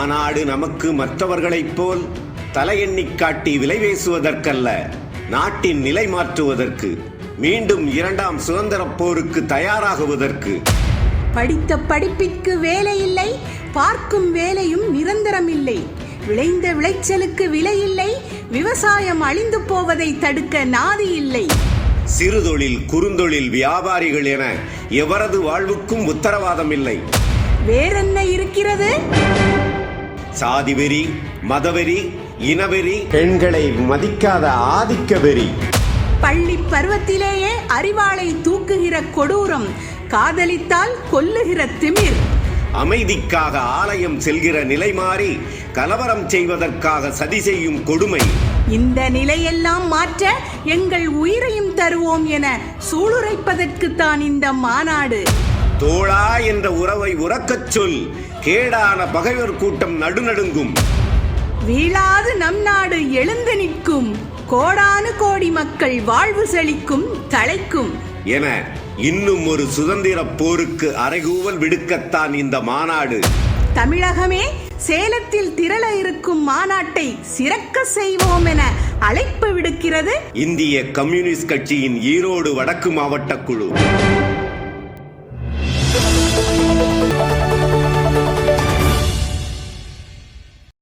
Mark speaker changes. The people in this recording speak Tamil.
Speaker 1: மாநாடு நமக்கு மற்றவர்களைப் போல் தலையெண்ணிக் காட்டி விலை பேசுவதற்கல்ல, நாட்டின் நிலை மாற்றுவதற்கு, மீண்டும் 2ஆம் சுதந்திரப் போருக்கு தயாராகுவதற்கு.
Speaker 2: படித்த படிப்பிற்கு வேலை இல்லை, பார்க்கும் வேலையும் நிரந்தரமில்லை. விளைந்த விளைச்சலுக்கு விலை இல்லை, விவசாயம் அழிந்து போவதை தடுக்க நாதி இல்லை.
Speaker 1: சிறுதொழில், குறுந்தொழில் வியாபாரிகள் என எவரது வாழ்வுக்கும் உத்தரவாதம் இல்லை.
Speaker 2: வேறென்ன இருக்கிறது?
Speaker 1: சாதி வெறி, மதவெறி, இனவெறி, பெண்களை மதிக்காத ஆதிக்க வெறி.
Speaker 2: பள்ளி பருவத்திலேயே அறிவாளை தூக்குகிற கொடூரம், காதலித்தால் கொல்லுகிற திமிர்.
Speaker 1: அமைதிக்காக ஆலயம் செல்கிற நிலை மாறி கலவரம் செய்வதற்காக சதி செய்யும் கொடுமை.
Speaker 2: இந்த நிலையெல்லாம் மாற்ற எங்கள் உயிரையும் தருவோம் என சூளுரைப்பதற்குத்தான் இந்த மாநாடு.
Speaker 1: தோழா என்ற உறவை உறக்கச் சொல், கேடான பகைவர் கூட்டம் நடுநடுங்கும்.
Speaker 2: வீழாது நம் நாடு எழுந்து நிற்கும், கோடானு கோடி மக்கள் வாழ்வு செழிக்கும், தழைக்கும்
Speaker 1: என இன்னும் ஒரு சுதந்திர போருக்கு அறைகூவல் விடுக்கத்தான் இந்த மாநாடு.
Speaker 2: தமிழகமே சேலத்தில் திரள இருக்கும் மாநாட்டை சிறக்க செய்வோம் என அழைப்பு விடுக்கிறது
Speaker 1: இந்திய கம்யூனிஸ்ட் கட்சியின் ஈரோடு வடக்கு மாவட்ட குழு.